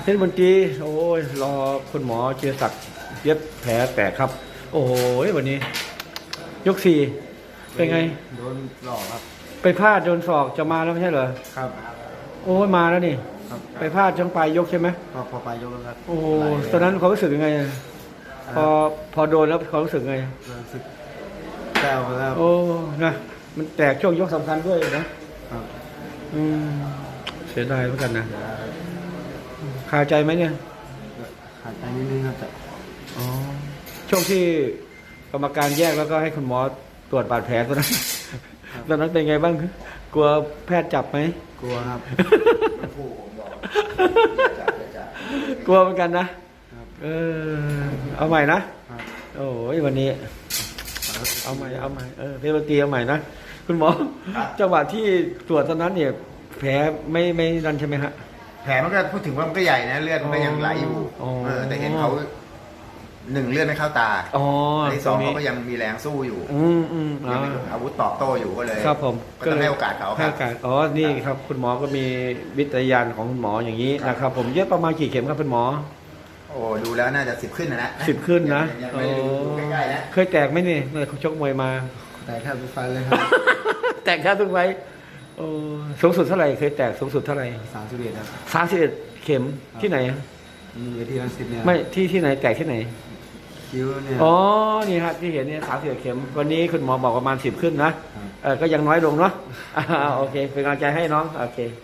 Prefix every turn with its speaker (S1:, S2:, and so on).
S1: เพชรมนตรีโอ้ยรอคุณหมอเชียรศักดิ์เย็บแผลแตกครับ โอ้โหวันนี้ ยกสี่เป็นไง
S2: โดนหลอกครับ
S1: ไปพลาดโดนศอกจะมาแล้วไม่ใช่เหรอ
S2: ครับ
S1: โอ้ยมาแล้วนี่ไปพลาดช่างปลายยกใช่ไหม
S2: พอปลายยกแล้วครับ
S1: โอ้ตอนนั้นเขารู้สึกยังไงพอโดนแล้วเขารู้สึกไง
S2: รู้สึกแก้วแล้ว
S1: โอ้นะมันแตกช่วงยกสำคัญด้วยนะครับเสียดายเหมือนกันนะคาใจไหมเนี่ย
S2: คาใจนิดนึงครับ
S1: อ๋อช่วงที่กรรมการแยกแล้วก็ให้คุณหมอตรวจบาดแผลตอนนั้นเป็นไงบ้างกลัวแพทย์จับไหม
S2: กลัวครับ
S1: กลัวเหมือนกันนะเอาใหม่นะโอ้ยวันนี้เอาใหม่เพชรบุรีเอาใหม่นะคุณหมอจังหวะที่ตรวจตอนนั้นเนี่ยแผลไม่ดันใช่ไหมฮะ
S3: แผลมันก็พูดถึงว่ามันก็ใหญ่นะเลือดมันก็ยังไหลอยู่แต่เห็นเขาหนึ่งเลือดไม่เข้าตาที่สองเขาก็ยังมีแรงสู้อยู่ยังมีอาวุธตอบโต้อยู่ก็เลย
S1: ครับผม
S3: ก็ต้องให้โอกาสเขา
S1: ให้โอกาสนี่ครับคุณหมอก็มีวิทยาญาณของคุณหมออย่างนี้นะครับผมเย็บประมาณกี่เข็มครับคุณหมอ
S3: โอ้ดูแล้วน่าจะ10 ขึ้นนะ
S1: 10 ขึ้นนะ
S3: ใกล้ๆนะ
S1: เคยแตกไหมนี่เมื่อเขาชกมวยมา
S2: แตกแทบทุกไฟเลยครับ
S1: แตกแทบทุกไฟสูงสุดเท่าไหร่เคยแตกสูงสุดเท่าไหร่
S2: 31ครับ
S1: 31เข็มที่ไหน
S2: มีเวทีรังสิตเนี่ย
S1: ไม่ที่ไหนแตกที่ไหน
S2: คิ้วเนี่ย
S1: นี่ครับที่เห็นเนี่ย31เข็มวันนี้คุณหมอบอกประมาณ10 ขึ้นนะก็ยังน้อยลงเนาะโอเคเป็นกำลังใจให้น้องโอเค